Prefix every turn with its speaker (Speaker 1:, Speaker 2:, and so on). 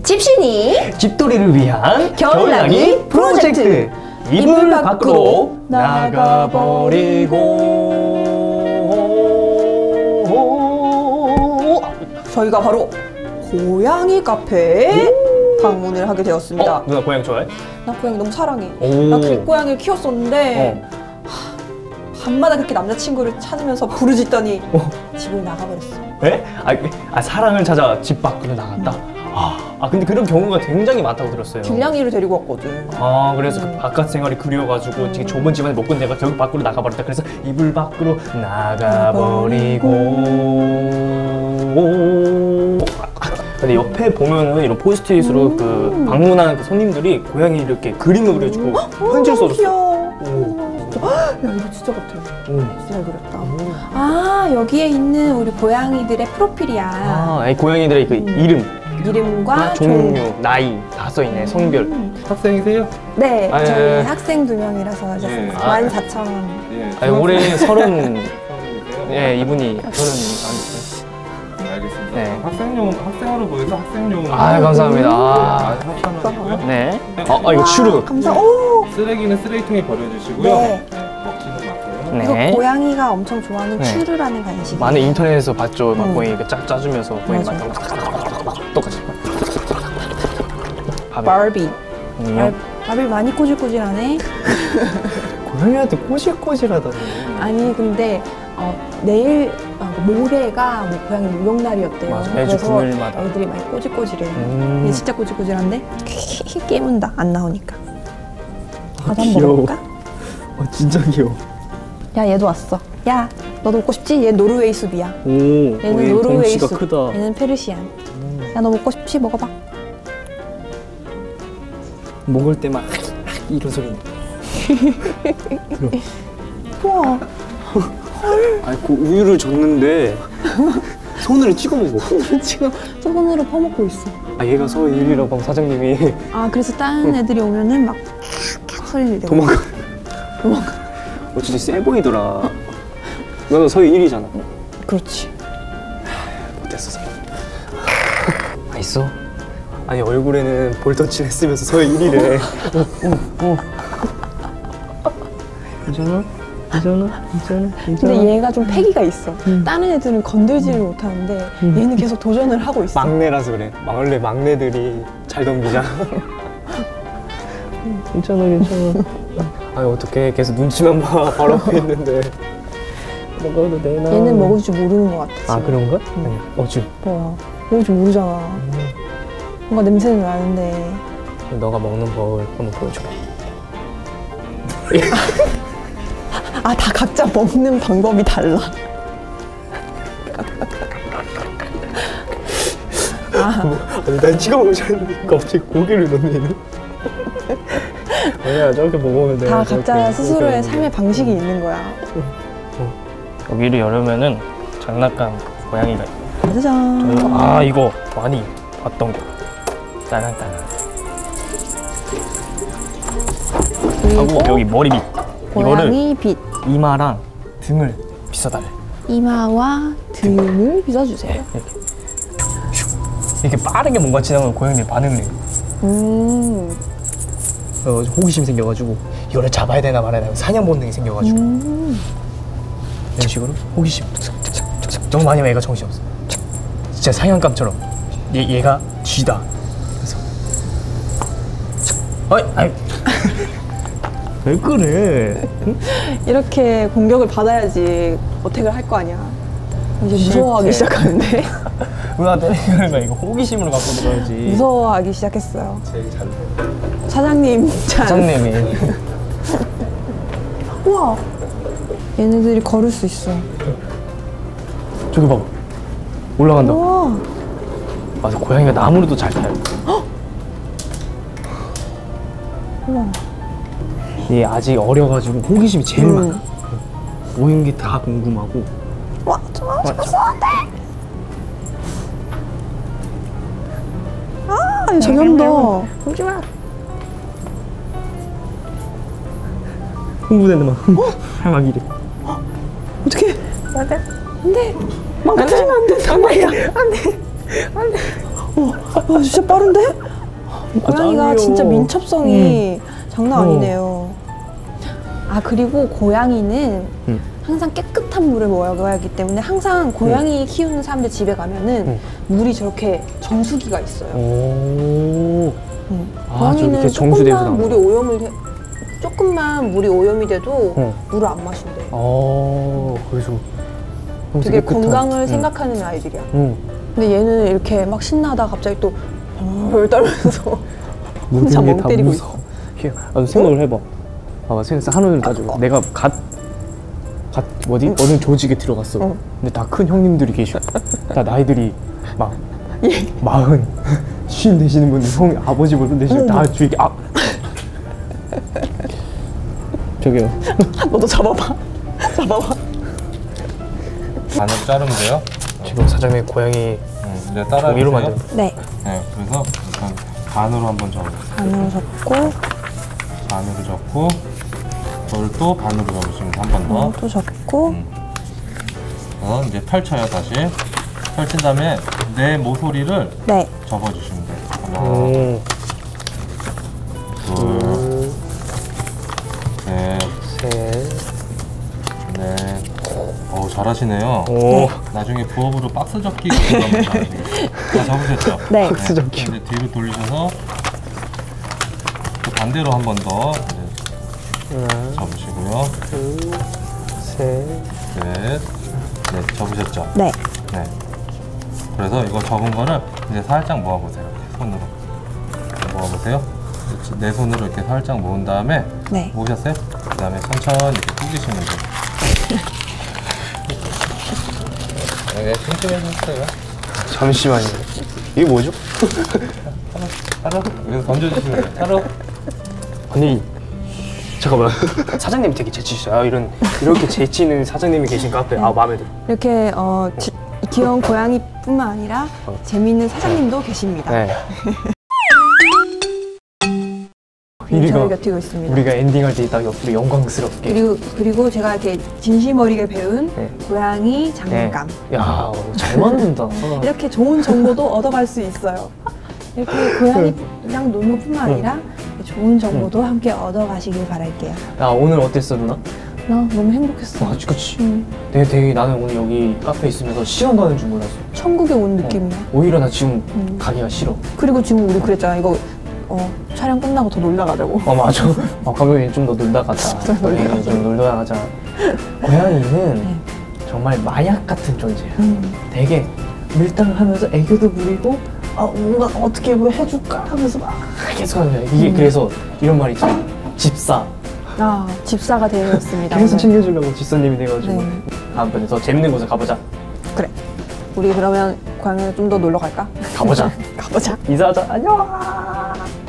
Speaker 1: 집신이
Speaker 2: 집돌이를 위한
Speaker 1: 겨울나기 프로젝트.
Speaker 2: 이불 밖으로 나가버리고.
Speaker 1: 저희가 바로 고양이 카페에 방문을 하게 되었습니다.
Speaker 2: 누나 고양이 좋아해?
Speaker 1: 나 고양이 너무 사랑해.
Speaker 2: 오.
Speaker 1: 나 길고양이를 키웠었는데 밤마다 그렇게 남자친구를 찾으면서 부르짖더니 집을 나가버렸어.
Speaker 2: 네? 사랑을 찾아 집 밖으로 나갔다? 근데 그런 경우가 굉장히 많다고 들었어요.
Speaker 1: 길냥이를 데리고 왔거든.
Speaker 2: 그래서 그 바깥 생활이 그리워가지고 되게 좁은 집안에 못 건네가 결국 밖으로 나가버렸다. 그래서 이불 밖으로 나가버리고. 근데 옆에 보면은 이런 포스트잇으로 그 방문한 그 손님들이 고양이 이렇게 그림을 그려주고 편지를 써줬어.
Speaker 1: 귀여워. 야, 이거 진짜 같아. 진짜 잘 그렸다. 여기에 있는 우리 고양이들의 프로필이야.
Speaker 2: 이 고양이들의 그
Speaker 1: 이름과
Speaker 2: 종류, 나이 다 써있네. 성별.
Speaker 3: 학생이세요?
Speaker 1: 네,
Speaker 2: 예.
Speaker 1: 저희 학생 2명이라서
Speaker 3: 예.
Speaker 1: 14,000원.
Speaker 3: 예.
Speaker 2: 올해 30.
Speaker 3: 예,
Speaker 2: 이분이 30.
Speaker 3: 알겠습니다.
Speaker 2: 네.
Speaker 3: 학생으로 보여서 학생용.
Speaker 2: 감사합니다.
Speaker 3: 협찬원이고요.
Speaker 2: 네. 이거 추루.
Speaker 1: 감사.
Speaker 3: 쓰레기는 쓰레기통에 버려주시고요.
Speaker 1: 네.
Speaker 3: 먹지는 마세요.
Speaker 2: 네.
Speaker 1: 이거 고양이가 엄청 좋아하는
Speaker 2: 네.
Speaker 1: 추르라는 간식이.
Speaker 2: 많은 인터넷에서 봤죠. 막 고양이 이렇게 짜주면서 고양이
Speaker 1: 맞아.
Speaker 2: 맛 똑같이.
Speaker 1: 바비.
Speaker 2: 안녕.
Speaker 1: 바비 많이 꼬질꼬질하네.
Speaker 2: 고양이한테 꼬질꼬질하다니.
Speaker 1: 아니 근데 내일 모레가 뭐 고양이 목욕날이었대요.
Speaker 2: 맞아, 매주
Speaker 1: 그래서
Speaker 2: 금요일마다.
Speaker 1: 애들이 많이 꼬질꼬질해. 얘 진짜 꼬질꼬질한데 깨문다 안 나오니까. 나도 한번 먹어볼까?
Speaker 2: 진짜 귀여워.
Speaker 1: 야 얘도 왔어. 야 너도 먹고 싶지? 얘 노르웨이 숲이야. 얘는 노르웨이 숲.
Speaker 2: 크다.
Speaker 1: 얘는 페르시안. 야 너 먹고 싶지? 먹어봐.
Speaker 2: 먹을 때만 이런 소리.
Speaker 1: 우와.
Speaker 2: 그 우유를 줬는데 손으로 찍어 먹어.
Speaker 1: 지금 손으로 퍼먹고 있어.
Speaker 2: 얘가 서일이라고 하면 사장님이
Speaker 1: 그래서 다른 애들이 오면은 막 캬캬 소리를 내고
Speaker 2: 도망가.
Speaker 1: 도망가.
Speaker 2: 진짜 세 보이더라. 너는 서일이잖아.
Speaker 1: 그렇지.
Speaker 2: 못했어. 있어? 아니 얼굴에는 볼터치를 했으면서 서일이래. 괜찮아?
Speaker 1: 근데 얘가 좀 패기가 있어. 다른 애들은 건들지를 못하는데 얘는 계속 도전을 하고 있어.
Speaker 2: 막내라서 그래. 원래 막내들이 잘 덤비잖아. 괜찮아. 어떡해. 계속 눈치만 봐. 바로 앞에 있는데. 먹어도 되나?
Speaker 1: 얘는 먹을 줄 모르는 것 같아. 지금.
Speaker 2: 그런가? 지금.
Speaker 1: 봐봐. 먹을 줄 모르잖아. 뭔가 냄새는 나는데.
Speaker 2: 너가 먹는 법을 한번 보여줘.
Speaker 1: 다 각자 먹는 방법이 달라.
Speaker 2: 난 찍어 먹자는데 갑자기 고기를 넣네 얘는. 아니야 저렇게 먹으면 돼.
Speaker 1: 다 각자 스스로의 삶의 방식이 있는 거야.
Speaker 2: 여기를 열으면은 장난감 고양이가 있고.
Speaker 1: 짜잔.
Speaker 2: 이거 많이 봤던 거. 따랑따랑. 하고 여기 머리 밑.
Speaker 1: 고양이 빛.
Speaker 2: 이마랑 등을 빗어달래.
Speaker 1: 이마와 등을 빗어주세요.
Speaker 2: 이렇게 빠르게 뭔가 지나면 고양이들이 반응을 해요. 호기심이 생겨가지고 이거를 잡아야 되나 말아야 되나 사냥 본능이 생겨가지고 이런 식으로 호기심 너무 많이 하면 얘가 정신없어. 진짜 사냥감처럼 얘가 쥐다. 그래서 왜 그래?
Speaker 1: 이렇게 공격을 받아야지 어택을 할 거 아니야. 이제 무서워하기 시작하는데.
Speaker 2: 누나 때리는 거야. 이거 호기심으로 갖고 들어야지.
Speaker 1: 무서워하기 시작했어요.
Speaker 3: 제일 잘
Speaker 1: 사장님이. 우와. 얘네들이 걸을 수 있어.
Speaker 2: 저기 봐봐. 올라간다.
Speaker 1: 우와.
Speaker 2: 맞아. 고양이가 나무로도 잘 타요.
Speaker 1: 우와.
Speaker 2: 얘 아직 어려가지고 호기심이 제일 많아. 모인 게 다 궁금하고.
Speaker 1: 와, 무서운데. 저기 한다. 오지 마.
Speaker 2: 흥분했나 막. 막 이래.
Speaker 1: 어떡해. 안 돼. 망가뜨리면 안 된단 말이야. 안 돼. 진짜 빠른데? 고양이가
Speaker 2: 짱이요.
Speaker 1: 진짜 민첩성이 장난 아니네요. 아, 그리고 고양이는 항상 깨끗한 물을 먹어야 하기 때문에 항상 고양이 키우는 사람들 집에 가면은 물이 저렇게 정수기가 있어요.
Speaker 2: 오. 아, 저렇게
Speaker 1: 고양이는
Speaker 2: 정수대에서
Speaker 1: 조금만
Speaker 2: 나오는
Speaker 1: 물이 조금만 물이 오염이 돼도 물을 안 마신대.
Speaker 2: 그래서
Speaker 1: 되게 건강을 생각하는 아이들이야. 근데 얘는 이렇게 막 신나다 갑자기 또 떨면서 혼자 멍 때리고 있어.
Speaker 2: 생각을 해봐. 봐봐, 생각해서 한우를 따지고 내가 어느 조직에 들어갔어. 근데 다 큰 형님들이 계시고 다 나이들이 막 40, 50 되시는 분들, 형 아버지 보던 되시고 다 주위에 저기요.
Speaker 1: 너도 잡아봐. 잡아봐.
Speaker 3: 반으로 자르면 돼요.
Speaker 2: 지금 사장님 고양이
Speaker 3: 이제 따라해주세요.
Speaker 2: 종이로 만든.
Speaker 1: 네.
Speaker 3: 네, 그래서 일단 반으로 한번 접으세요.
Speaker 1: 반으로 접고
Speaker 3: 반으로 접고 그걸 또 반으로 접으시면 한 번 더.
Speaker 1: 또 접고
Speaker 3: 이제 펼쳐요. 다시 펼친 다음에 내 모서리를
Speaker 1: 네.
Speaker 3: 접어주시면 돼요. 하나, 둘, 셋, 넷. 잘하시네요. 나중에 부업으로 박스 접기 같은 거 한번 다 접으셨죠?
Speaker 1: 네.
Speaker 2: 박스 접기.
Speaker 3: 이제 뒤로 돌리셔서 또 반대로 한 번 더 접으시고요. 넷, 접으셨죠?
Speaker 1: 네.
Speaker 3: 네. 그래서 이거 접은 거를 이제 살짝 모아보세요. 이렇게 손으로 모아보세요. 내 손으로 이렇게 살짝 모은 다음에
Speaker 1: 네.
Speaker 3: 모으셨어요? 그 다음에 천천히 이렇게 꾸기시면 돼요. 네, 튼튼해졌어요.
Speaker 2: 잠시만요. 이게 뭐죠?
Speaker 3: 차로 여기서 던져주시면 돼요. 차로.
Speaker 2: 아니, 잠깐만. 사장님 되게 재치 있어요. 이렇게 재치 있는 사장님이 계신 카페. 마음에 들어.
Speaker 1: 이렇게 귀여운 고양이뿐만 아니라 재미있는 사장님도 계십니다.
Speaker 2: 네.
Speaker 1: 저희 곁에 있습니다.
Speaker 2: 우리가 엔딩할 때 딱 옆으로 영광스럽게.
Speaker 1: 그리고 제가 이렇게 진심 어리게 배운 고양이 장난감.
Speaker 2: 야, 잘 만든다.
Speaker 1: 이렇게 좋은 정보도 얻어갈 수 있어요. 이렇게 고양이랑 노는 것뿐만 아니라 좋은 정보도 함께 얻어가시길 바랄게요.
Speaker 2: 야, 오늘 어땠어, 누나?
Speaker 1: 나 너무 행복했어.
Speaker 2: 그치. 되게 나는 오늘 여기 카페 있으면서 시간 가는 줄 몰랐어.
Speaker 1: 천국에 온 느낌이야.
Speaker 2: 오히려 나 지금 가기가 싫어.
Speaker 1: 그리고 지금 우리 그랬잖아. 이거 촬영 끝나고 더 놀다 가자고.
Speaker 2: 맞아. 감독님 좀 더 놀다 가자. 우리 좀 놀다 가자. 고양이는 정말 마약 같은 존재야. 되게 밀당하면서 애교도 부리고 뭔가 어떻게 뭐 해줄까 하면서 막 계속 하는 거야. 이게 그래서 이런 말 있잖아. 집사.
Speaker 1: 집사가 되었습니다.
Speaker 2: 계속
Speaker 1: 오늘.
Speaker 2: 챙겨주려고 집사님이 돼가지고.
Speaker 1: 네.
Speaker 2: 다음번에 더 재밌는 곳에 가보자.
Speaker 1: 그래. 우리 그러면 고양이를 좀 더 놀러 갈까?
Speaker 2: 가보자.
Speaker 1: 가보자.
Speaker 2: 인사하자. 안녕.